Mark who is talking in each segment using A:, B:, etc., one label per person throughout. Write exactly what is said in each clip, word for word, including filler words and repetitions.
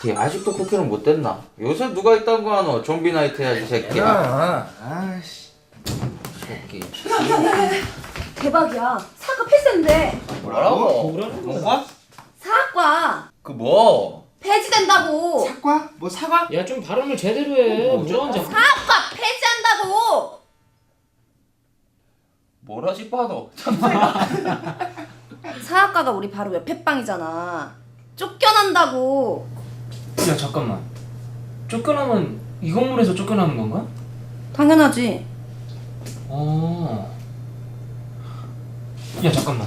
A: 쿠키 아직도 쿠키는 못 됐나? 요새 누가 있다는 거 하노? 좀비 나이트 해야지 새끼야.
B: 아이씨
A: 새끼.
C: 대박이야. 사과 폐쇄인데.
A: 뭐라고?
B: 뭐라고?
A: 뭐가?
C: 사과
A: 그 뭐?
C: 폐지된다고.
B: 사과? 뭐 사과?
D: 야 좀 발음을 제대로 해. 뭐라 하는지.
C: 사과 폐지한다고.
A: 뭐라 싶어도.
C: 사과가 우리 바로 옆에 빵이잖아. 쫓겨난다고.
D: 야 잠깐만. 쫓겨나면 이 건물에서 쫓겨나는 건가?
C: 당연하지.
D: 어. 야 잠깐만.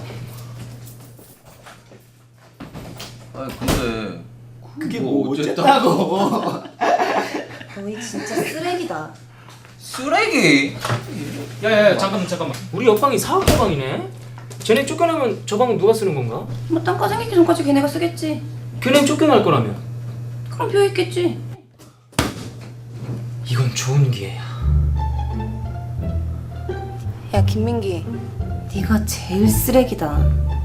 A: 아니 근데
B: 그게
A: 뭐
B: 뭐
A: 어쨌다고?
B: 어쨌다고?
C: 너희 진짜 쓰레기다.
A: 쓰레기?
D: 야야야 잠깐만 잠깐만. 우리 옆방이 사업가방이네. 쟤네 쫓겨나면 저 방은 누가 쓰는 건가?
C: 뭐 땅가 생기기 전까지 걔네가 쓰겠지.
D: 걔넨 쫓겨날 거라며.
C: 그럼 비어 있겠지.
D: 이건 좋은 기회야.
C: 야 김민기, 네가 제일 쓰레기다.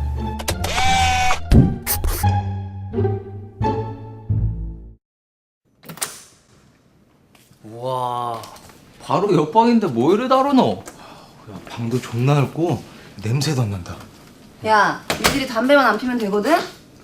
A: 우와 바로 옆방인데 뭐 이래 다루노?
B: 야, 방도 존나 넓고 냄새도 안 난다.
C: 야, 니들이 담배만 안 피면 되거든?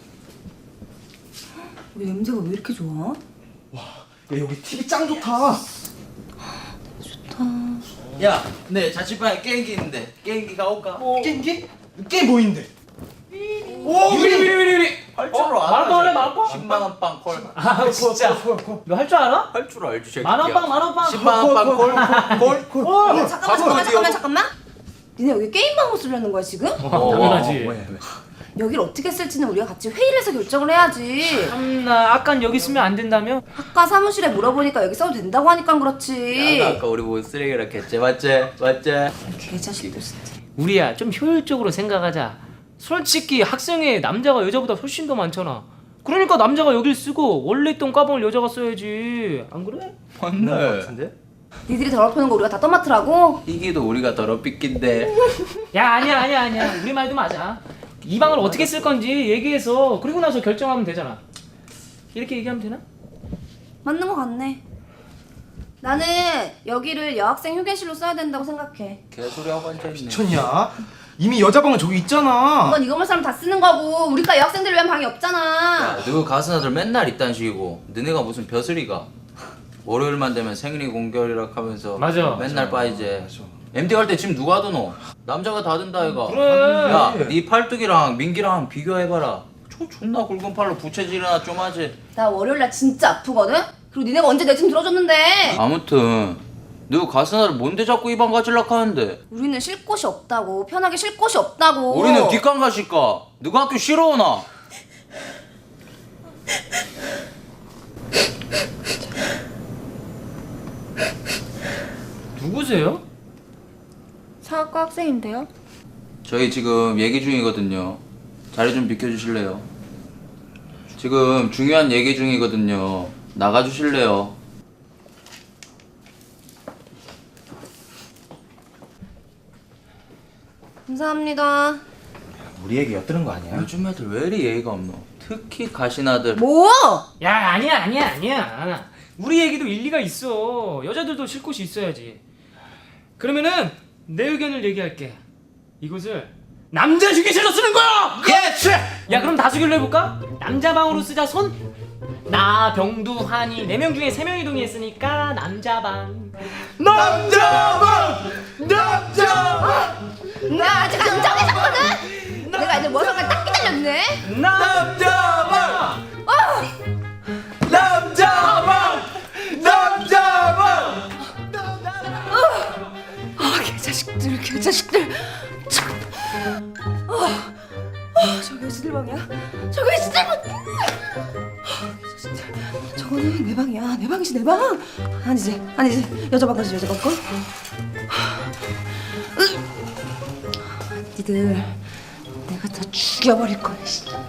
C: 우리 냄새가 왜 이렇게 좋아?
B: 야 여기 티비 짱 좋다.
C: 좋다.
A: 야, 네 자취방에 게임기 있는데 게임기 가올까?
B: 게임기? 게임 뭐인데?
D: 오 유리 유리 유리 유리.
A: 할 줄 알아.
D: 만원 할래 만원?
A: 십만 원 빵 콜.
D: 아 진짜. 너 할 줄 알아?
A: 할 줄 알지 새끼야.
D: 만원 빵 만원 빵.
A: 십만 원 빵 콜. 콜. 콜.
C: 야, 잠깐만, 잠깐만, 잠깐만, 잠깐만. 니네 여기 게임방으로 쓰려는 거야, 지금?
D: 어, 당연하지.
B: 왜, 왜?
C: 여기를 어떻게 쓸지는 우리가 같이 회의를 해서 결정을 해야지.
D: 참나 아깐 여기 쓰면 안 된다며?
C: 아까 사무실에 물어보니까 여기 써도 된다고 하니까 그렇지.
A: 야, 아까 우리 뭐 쓰레기라 했지 맞지? 맞지?
C: 개자식들 진짜.
D: 우리야 좀 효율적으로 생각하자. 솔직히 학생회 남자가 여자보다 훨씬 더 많잖아. 그러니까 남자가 여길 쓰고 원래 있던 과방을 여자가 써야지. 안 그래?
A: 맞네.
C: 니들이 더럽히는 거 우리가 다 떠맡으라고?
A: 이기도 우리가 더럽히긴데.
D: 야 아니야 아니야 아니야. 우리 말도 맞아. 이 방을 어떻게 쓸 건지 얘기해서 그리고 나서 결정하면 되잖아. 이렇게 얘기하면 되나?
C: 맞는 거 같네. 나는 여기를 여학생 휴게실로 써야 된다고 생각해.
A: 개소리 하고 앉아있네.
B: 미쳤냐? 이미 여자 방은 저기 있잖아.
C: 이건 이 건물 사람 다 쓰는 거고 우리과 여학생들 위한 방이 없잖아.
A: 야, 너 가슴 아들 맨날 이딴 식이고 너네가 무슨 벼슬이가 월요일만 되면 생리 공결이라 하면서
D: 맞아.
A: 맨날
B: 맞아.
A: 빠이지.
B: 맞아.
A: 엠디 갈 때 짐 누가 드노? 남자가 다 든다 이가.
D: 그래.
A: 야, 네 팔뚝이랑 민기랑 비교해봐라. 저 존나 굵은 팔로 부채질이나 좀 하지.
C: 나 월요일날 진짜 아프거든? 그리고 니네가 언제 내 짐 들어줬는데?
A: 아무튼 너 가슴 아들 뭔데 자꾸 이 방 가질락 하는데?
C: 우리는 쉴 곳이 없다고. 편하게 쉴 곳이 없다고.
A: 우리는 뒷강 가실까? 너가 학교 싫어 오나?
D: 누구세요?
C: 사학과 학생인데요?
A: 저희 지금 얘기 중이거든요. 자리 좀 비켜주실래요? 지금 중요한 얘기 중이거든요. 나가주실래요?
C: 감사합니다.
B: 우리 얘기 엿드는 거 아니야?
A: 요즘 애들 왜 이리 예의가 없노? 특히 가신 아들.
C: 뭐?
D: 야 아니야 아니야 아니야. 우리 얘기도 일리가 있어. 여자들도 쉴 곳이 있어야지. 그러면은 내 의견을 얘기할게. 이곳을 남자 휴게실로 쓰는 거야.
A: 예스!
D: 야 그럼 다수결로 해볼까? 남자 방으로 쓰자 손. 나 병두 한이 네 명 중에 세 명이 동의했으니까 남자 방.
B: 남자방! 남자방!
C: 나 아직 안 정해졌거든? 내가 애들 머리가 딱 기다렸네?
B: 남자방!
C: 어!
B: 남자방! 남자방!
C: 아, 개자식들, 개자식들. 참. 아, 아, 저기 어디들 방이야? 저기 어디들 방? 아, 개자식들. 저거는 내 방이야. 내 방이지, 내 방. 아니지, 아니지. 여자 방 가지, 여자 방 거. 니들, 내가 다 죽여버릴 거야, 진짜.